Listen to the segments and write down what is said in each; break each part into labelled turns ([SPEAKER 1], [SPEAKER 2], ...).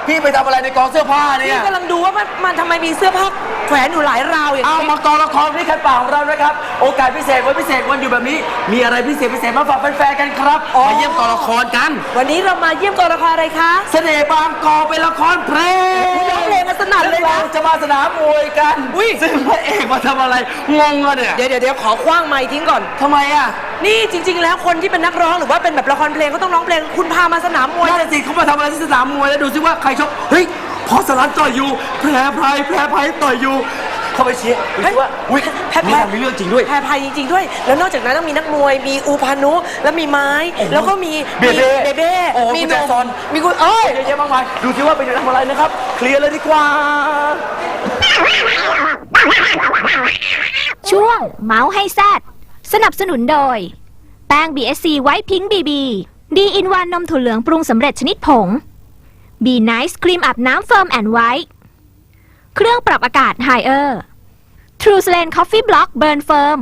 [SPEAKER 1] พี่ไปทำอะไรในกองเสื้อผ้าเนี่ย
[SPEAKER 2] พี่กำลังดูว่ามันทำไมมีเสื้อผ้าแขวนอยู่หลายราวอย่าง
[SPEAKER 1] เอา
[SPEAKER 2] นี้
[SPEAKER 1] มากองละครที่คันป่าของเรานะครับโอกาสพิเศษวันพิเศษวันอยู่แบบนี้มีอะไรพิเศษมาฝากแฟนๆกันครับมาเยี่ยมกองละครกัน
[SPEAKER 2] วันนี้เรามาเยี่ยมกองละครอะไรคะ
[SPEAKER 1] เสน่ห์บางกอกเป็นละครเพลง
[SPEAKER 2] ร้องเพลงกันสนั่นเลยนะ
[SPEAKER 1] เราจะมาสนามมวยกันซึ่งพระเอกมาทำอะไรงงอะเนี่ย
[SPEAKER 2] เดี๋ยวขอคว้างไมค์ทิ้งก่อน
[SPEAKER 1] ทำไมอะ
[SPEAKER 2] นี่จริง ๆ แล้วคนที่เป็นนักร้องหรือว่าเป็นแบบละครเพลงก็ต้องร้องเพลงคุณพามาสนามมวย
[SPEAKER 1] นั่นสิเขามาทำอะไรที่สนามมวยแล้วดูซิว่าใครชกเฮ้ยพอสลันต่อยอยู่แพรไพต่อยอยู่เข้าไปเชียร์ดูซิว่าอุ้ยมีเรื่องจริงด้วย
[SPEAKER 2] แพรไพจริงๆด้วย แล้วนอกจากนั้นต้องมีนักมวยมีอูพานุแล้วมีไม้แล้วก็มี
[SPEAKER 1] เบเบ้ โอ้
[SPEAKER 2] มี
[SPEAKER 1] กุญแจซอน
[SPEAKER 2] มีกุญเอ้ย
[SPEAKER 1] เยอะแยะมากมายดูซิว่าเป็นทำอะไรนะครับเคลียร์เลยดีกว่า
[SPEAKER 3] ช่วงเมาส์ให้แซดสนับสนุนโดยแป้ง BSC ไวท์พิงค์บีบีดีอินวันนมถั่วเหลืองปรุงสำเร็จชนิดผง B Nice ครีมอาบน้ำเฟิร์มแอนด์ไวท์เครื่องปรับอากาศไฮเออร์ True Slane Coffee Block Burn Firm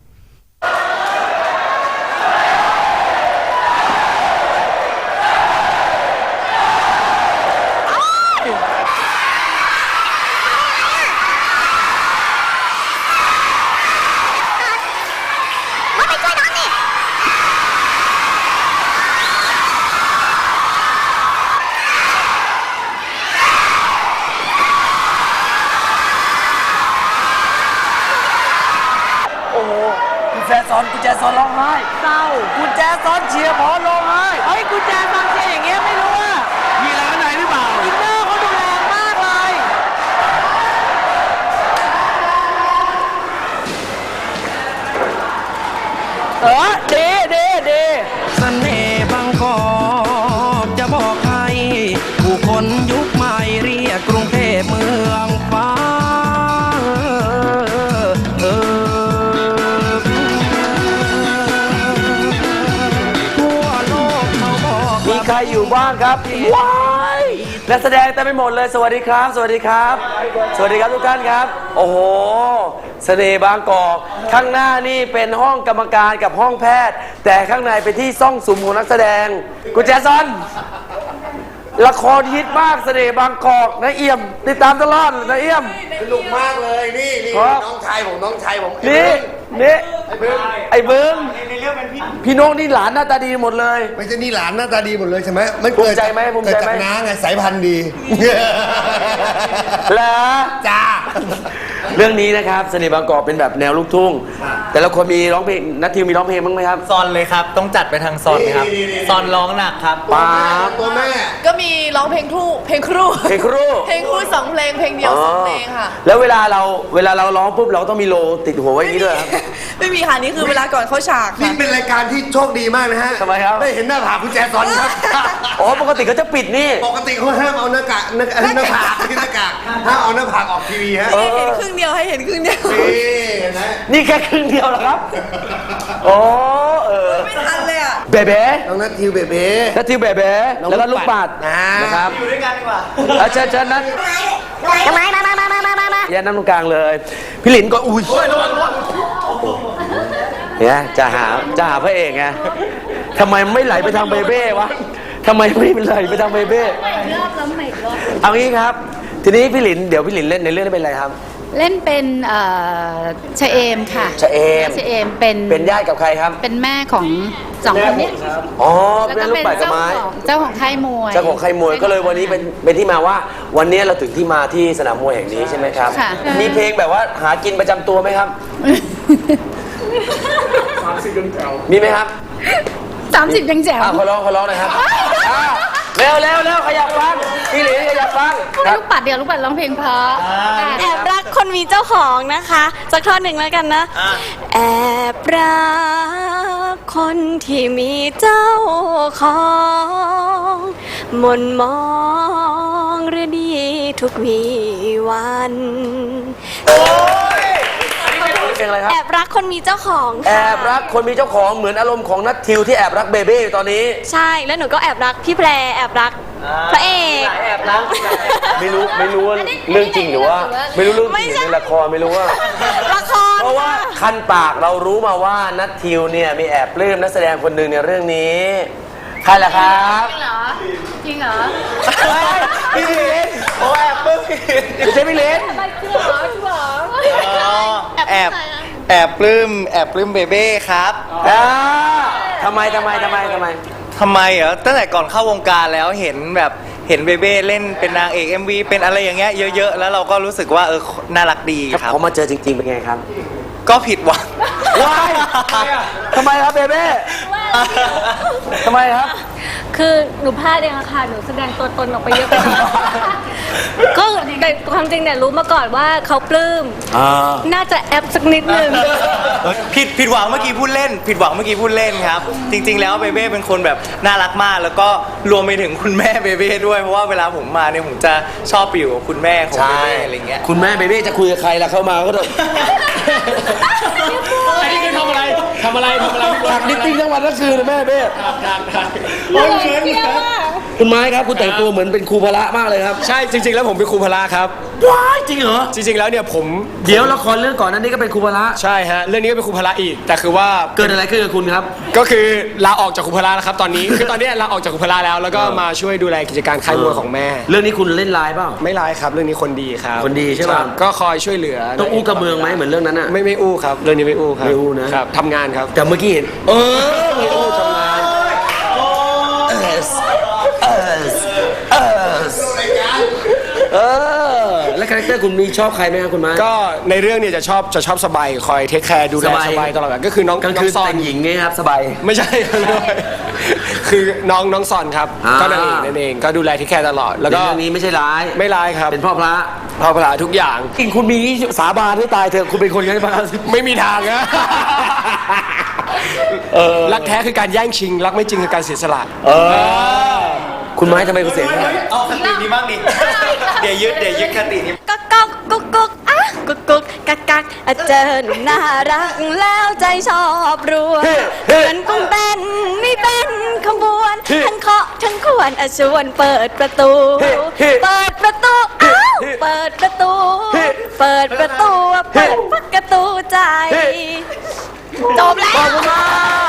[SPEAKER 1] กุญแจซอนร้องไห้
[SPEAKER 2] เศร้า
[SPEAKER 1] กุญแจซอนเชียร์พอร้องไห้
[SPEAKER 2] เฮ้ยกุญแจฟังเสียงอย่างเงี้ยไม่รู้อะ
[SPEAKER 1] มีอะไรข้างในหรือเปล่า
[SPEAKER 2] อินเนอร์เขาดูแรงมากเลยเด
[SPEAKER 4] เสน่ห์บางกอกจะบอกใครผู้คนยุคใหม่เรียกกรุงเทพเมืองฟ้าทั่วโลกเขาบอก
[SPEAKER 1] มีใครอยู่บ้างครับว้ายนักแสดงเต็มไปหมดเลยสวัสดีครับ สวัสดีครับ สวัสดีครับทุกท่านครับ โอ้โหเสน่ห์บางกอกข้างหน้านี่เป็นห้องกรรมการกับห้องแพทย์ แต่ข้างในเป็นที่ซ่องสุมของนักแสดงกุญแจซอนละครฮิตมากเสน่ห์บางกอกนะเอี่ยมติดตามตลอดนะเอี่ยม
[SPEAKER 5] สนุกมากเลยนี่
[SPEAKER 1] ครับ
[SPEAKER 5] น้องชายผม
[SPEAKER 1] นี่ไอ้เบิ้งพี่น้องนี่หลานหน้าตาดีหมดเลย
[SPEAKER 5] ไม่ใช่นี่หลานหน้าตาดีหมดเลยใช่ไหมมัน
[SPEAKER 1] ภูมิใจไหมภูมิใจไหม
[SPEAKER 5] เกิดจากน้าไงสายพันธุ์ดี
[SPEAKER 1] แล้ว
[SPEAKER 5] จ้า
[SPEAKER 1] เรื่องนี้นะครับเสน่ห์บางกอกเป็นแบบแนวลูกทุ่งแต่ละคนมีร้องเพลงนัททิวมีร้องเพลงบ้างไหมครับ
[SPEAKER 6] ซอนเลยครับ ต้องจัดไปทางซอนเลยครับ ซอนร้องหนักครับ
[SPEAKER 1] ป๊าบ
[SPEAKER 5] ตัวแม่
[SPEAKER 7] ก็มีร้องเพลงครู
[SPEAKER 1] เพลงครู
[SPEAKER 7] เพลงครูสองเพลงเพลงเดียวสองเพลงค่ะ
[SPEAKER 1] แล้วเวลาเราร้องปุ๊บเราต้องมีโลติดหัวไว้อย่างนี้ด้วยครับ
[SPEAKER 7] ไม่มีค่ะนี่คือเวลาก่อนเข้าฉาก
[SPEAKER 5] นี่
[SPEAKER 7] ค่ะ
[SPEAKER 5] เป็นรายการที่โชคดีมากนะฮะ
[SPEAKER 1] ทำไมครับ
[SPEAKER 5] ได้เห็นหน้าผากคุณแจซอนครับ
[SPEAKER 1] อ๋อปกติเขาจะปิดนี่
[SPEAKER 5] ปกติเขาห้ามเอาหน้ากากหน้าผากที่หน้ากากห้ามเอาหน้าผากออกทีวีฮะ
[SPEAKER 7] ให้เห็นครึ่งเดียวให้เห็นครึ่งเดียว
[SPEAKER 5] นี่เห็นไหม
[SPEAKER 1] นี่แค่ครึ่งเดียวเหรอครับโอ้
[SPEAKER 7] ไม่ทันเลยอ่ะ
[SPEAKER 1] เบเบ้
[SPEAKER 5] น้องนัททิวเบเบ้
[SPEAKER 1] นัททิวเบเบ้แล้วก็ลูกปัดนะครับ
[SPEAKER 6] อยู่ด้วยกันดีกว่า
[SPEAKER 1] เชิญนัทอย่านั่งตรงกลางเลย พี่หลินก็อุ้ยเนี่ยจะหาพระเอกไงทำไมไม่ไหลไปทางเบเบ้วะทำไมไม่ไหลไปทางเบเบ้เอางี้ครับ ทีนี้พี่หลินเดี๋ยวพี่หลินเล่นในเรื่องนี้เป็นอะไรครับ
[SPEAKER 8] เล่นเป็นชะเอมค่ะ
[SPEAKER 1] ชะเอม
[SPEAKER 8] ชะเอมเป็น
[SPEAKER 1] เป็นญาติกับใครครับ
[SPEAKER 8] เป็นแม่ของสองคนเนี้ย
[SPEAKER 1] อ๋อ
[SPEAKER 8] แล้ว
[SPEAKER 1] เป็น
[SPEAKER 8] ก็
[SPEAKER 1] ลูก
[SPEAKER 8] เป็น
[SPEAKER 1] ปัดกับ
[SPEAKER 8] เจ้า
[SPEAKER 1] ไม้
[SPEAKER 8] ของเจ้าของค่ายมวย
[SPEAKER 1] เจ้าของใครมวยก็เลยวันนี้เป็นที่มาว่า วันนี้เราถึงที่มาที่สนามมวยแห่งนี้ใช่ไหมครับ
[SPEAKER 8] ค่ะ
[SPEAKER 1] มีเพลงแบบว่าหากินประจำตัวไหมครับ มีไหมครับ
[SPEAKER 8] 30ยังแจ๋ว
[SPEAKER 1] ขอร้องหน่อยครับเร็วขยับฟังพี่หลินขยับฟังครับ
[SPEAKER 8] ลูกปัดเดียวลูกปัดร้องเพลงเพราะ
[SPEAKER 9] แอบรักคนมีเจ้าของนะคะสักท่อนหนึ่งแล้วกันนะแอบรักคนที่มีเจ้าของมนมองหรือดีทุกวีวัน
[SPEAKER 1] เพลงอะไรครับ
[SPEAKER 9] แอบรักคนมีเจ้าของ
[SPEAKER 1] แอ
[SPEAKER 9] ค่ะ
[SPEAKER 1] บรักคนมีเจ้าของเหมือนอารมณ์ของนัททิวที่แอบรักเบเบ้อยู่ตอนนี้
[SPEAKER 9] ใช่แล้วหนูก็แอบรักพี่แพรแอบรักพระเอก
[SPEAKER 6] แอบรัก
[SPEAKER 1] ไม่รู้ว่าเรื่องจริงหรือว่า ไม่รู้เรื่องจริงหรือในละครไม่รู้ว่า
[SPEAKER 9] ละคร
[SPEAKER 1] เพราะว่าคันปากเรารู้มาว่านัททิวเนี่ยมีแอบปลื้มนักแสดงคนหนึ่งในเรื่องนี้ ใครรล่ะครับ
[SPEAKER 8] จริงเหรอ จริงเหรอ
[SPEAKER 1] พี่ลินโอ้แอบปึ้งไม่ใช่พี่ลิน
[SPEAKER 6] แอบปลื้มเบเบ้ครับ
[SPEAKER 1] ทำไม
[SPEAKER 6] ทำไมเหรอตั้งแต่ก่อนเข้าวงการแล้วเห็นเบเบ้เล่นเป็นนางเอก MV เป็นอะไรอย่างเงี้ยเยอะๆแล้วเราก็รู้สึกว่าน่ารักดีครับ
[SPEAKER 1] พอมาเจอจริงๆเป็นไงครับ
[SPEAKER 6] ก็ผิดหวัง
[SPEAKER 1] ว้ายทำไมครับเบเบ้ทำไมครับ
[SPEAKER 9] คือหนูพลาดเองอะค่ะ หนูแสดงตัวตนออกไปเยอะไปหน่อยก็แต่ความจริงเนี่ยรู้มาก่อนว่าเขาปลื้ม น่าจะแอปสักนิดนึง
[SPEAKER 6] ผิดหวังเมื่อกี้พูดเล่น ผิดหวังเมื่อกี้พูดเล่นครับ จริง ๆ แล้วเบเบ้เป็นคนแบบน่ารักมาก แล้วก็รวมไปถึงคุณแม่เบเบ้ด้วยเพราะว่าเวลาผมมาเนี่ยผมจะชอบไปอยู่กับคุณแม่ของเบเบ้อะไรเงี้ย
[SPEAKER 1] คุณแม่เบเบ้จะคุยกับใครล่ะเข้ามาก็ต้อง
[SPEAKER 10] อันนี้คือทำอะไร
[SPEAKER 1] ถักนิตติ้งทั้งวันทั้งคืนเลยแม่เบ้คุณไม้ครับคุณแต่งตัวเหมือนเป็นครูพละมากเลยครับ
[SPEAKER 10] ใช่จริง ๆ แล้วผมเป็นครูพละครับ
[SPEAKER 1] ว้ายจริงเหรอ
[SPEAKER 10] จริง ๆ แล้วเนี่ยผม
[SPEAKER 1] เดี๋ยวละครเรื่องก่อนนั้นนี่ก็เป็นครูพละ
[SPEAKER 10] ใช่ฮะเรื่องนี้ก็เป็นครูพละอีก แต่คือว่า
[SPEAKER 1] เกิดอะไรขึ้นกับคุณครับ
[SPEAKER 10] ก็คือลาออกจากครูพละแล้วครับตอนนี้ คือตอนนี้ลาออกจากครูพละแล้วก็มาช่วยดูแลกิจการค่ายมวยของแม่
[SPEAKER 1] เรื่องนี้คุณเล่นไลน์เปล่า
[SPEAKER 10] ไม่ร้ายครับเรื่องนี้คนดีครับ
[SPEAKER 1] คนดีใช่ป่ะ
[SPEAKER 10] ก็คอยช่วยเหลือ
[SPEAKER 1] ต้องอู้กับเมืองไหมเหมือนเรื่องนั้นอะ
[SPEAKER 10] ไม่อู้ครับเรื่องนี้ไม่อู้ครับ
[SPEAKER 1] ไม่อู้นะครับ
[SPEAKER 10] ทำงานครับ
[SPEAKER 1] แต่เมื่อกี้เห็นไม่อู้ทำงานแล้วคาแรคเตอร์คุณมีชอบใครไหมครับคุณไม้
[SPEAKER 10] ก็ในเรื่องเนี่ยจะชอบสบายคอยเทคแคร์ดูแลสบายตลอดเวลาก็คือน้อง
[SPEAKER 1] กลางคืน
[SPEAKER 10] ซอ
[SPEAKER 1] แต่
[SPEAKER 10] น
[SPEAKER 1] งหญิงไงครับสบาย
[SPEAKER 10] ไม่ใช่ คือน้องซอนครับ
[SPEAKER 1] อ่า
[SPEAKER 10] ก็นางเอกนั่นเองก็ดูแลเทคแคร์ตลอดแล้ว
[SPEAKER 1] ใน
[SPEAKER 10] ก็
[SPEAKER 1] เรื่องนี้ไม่ใช่ร้าย
[SPEAKER 10] ไม่ร้ายครับ
[SPEAKER 1] เป็นพ่อพระ
[SPEAKER 10] พาพลาทุกอย่าง
[SPEAKER 1] จริงคุณมีสาบานให้ตายเถอะคุณเป็นคนยังไงบ้าง
[SPEAKER 10] ไม่มีทางนะรักแท้คือการแย่งชิง รักไม่จริงคือการเสียสละ
[SPEAKER 1] คุณไม้ทำไมคุณเสียงไม่ได้
[SPEAKER 6] เอาคตินี้บ้างดิ เดี๋ยวยึดคตินี้
[SPEAKER 9] ก๊กก๊กกุ๊กกุ๊กอ่ะกุ๊กกุ๊กกักกักอ่ะเจอหนุ่มน่ารักแล้วใจชอบรัวเหมือนกุ้งเต้นไม่เป็นขบวนทั้งเคาะทั้งขวนอ่ะชวนเปิดประตู เปิดประตูอ้าวเปิดประตู เปิดประตูเปิดประตูใจ จบแล้ว